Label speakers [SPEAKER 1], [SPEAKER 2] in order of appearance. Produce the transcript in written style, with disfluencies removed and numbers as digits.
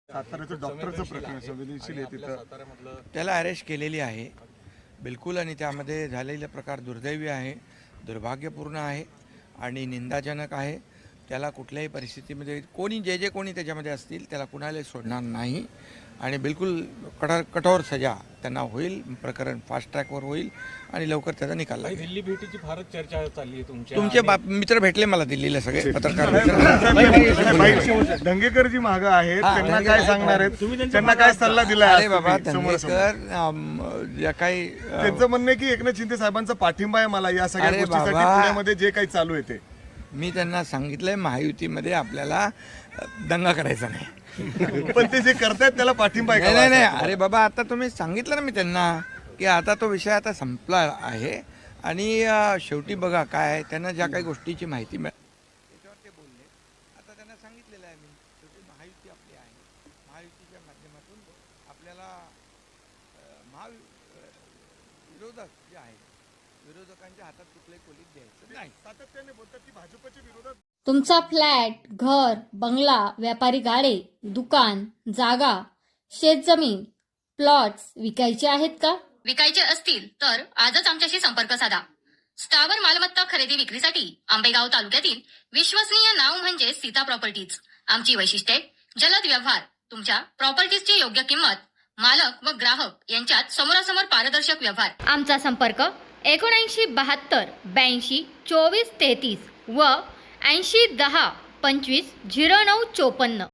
[SPEAKER 1] साताऱ्याचं डॉक्टरचं प्रकरण संवेदनशील आहे तिथं,
[SPEAKER 2] त्याला अरेस्ट केलेली आहे बिलकुल, आणि त्यामध्ये झालेला प्रकार दुर्दैवी आहे, दुर्भाग्यपूर्ण आहे आणि निंदाजनक आहे. त्याला कुठल्याही परिस्थितीमध्ये कोणी जे कोणी त्याच्यामध्ये असतील त्याला कुणालाही सोडणार नाही आणि बिलकुल कठोर सजा त्यांना होईल. प्रकरण फास्ट ट्रॅकवर होईल आणि लवकर त्याचा निकाल लागेल.
[SPEAKER 3] दिल्ली भेटीची फारच चर्चा चालली आहे
[SPEAKER 2] तुमचे मित्र भेटले मला दिल्लीला सगळे पत्रकार.
[SPEAKER 1] दंगेकर जी मागं आहेत त्यांना काय सांगणार आहेत, त्यांना काय सल्ला दिला?
[SPEAKER 2] अरे बाबा, दंगेकर ज्या काही
[SPEAKER 1] त्यांचं म्हणणं आहे की एकनाथ शिंदे साहेबांचा पाठिंबा आहे मला या सगळ्या
[SPEAKER 2] अरे
[SPEAKER 1] गोष्टीसाठी,
[SPEAKER 2] बाबा.
[SPEAKER 1] पुण्यामध्ये जे काही चालू आहे ते.
[SPEAKER 2] मी त्यांना सांगितलंय महायुतीमध्ये आपल्याला दंगा करायचा नाही.
[SPEAKER 1] पण ते जे करतायत त्याला पाठिंबा आहे का?
[SPEAKER 2] नाही नाही नाही, अरे बाबा, आता तुम्ही सांगितलं ना मी त्यांना की आता तो विषय आता संपला आहे आणि शेवटी बघा काय आहे, त्यांना ज्या काही गोष्टीची माहिती त्याच्यावर ते बोलले. आता त्यांना सांगितलेलं आहे मी, शेवटी महायुती आपली आहे, महायुतीच्या माध्यमातून आपल्याला विरोधक जे आहे, विरोधकांच्या हातात कुठलंही कोलीत द्यायचं नाही.
[SPEAKER 1] सातत्याने बोलतात की भाजपच्या विरोधात.
[SPEAKER 4] तुमचा फ्लॅट, घर, बंगला, व्यापारी गाडे, दुकान, जागा, शेतजमीन, प्लॉट्स विकायचे आहेत का?
[SPEAKER 5] विकायचे असतील तर आजच आमच्याशी संपर्क साधा. स्थावर मालमत्ता खरेदी विक्रीसाठी आंबेगाव तालुक्यातील विश्वसनीय नाव म्हणजे सीता प्रॉपर्टीज. आमची वैशिष्ट्ये: जलद व्यवहार, तुमच्या प्रॉपर्टीजची योग्य किंमत, मालक व ग्राहक यांच्यात समोरासमोर पारदर्शक व्यवहार. आमचा संपर्क 7972 82 24 33 व 80 10 25 09 54.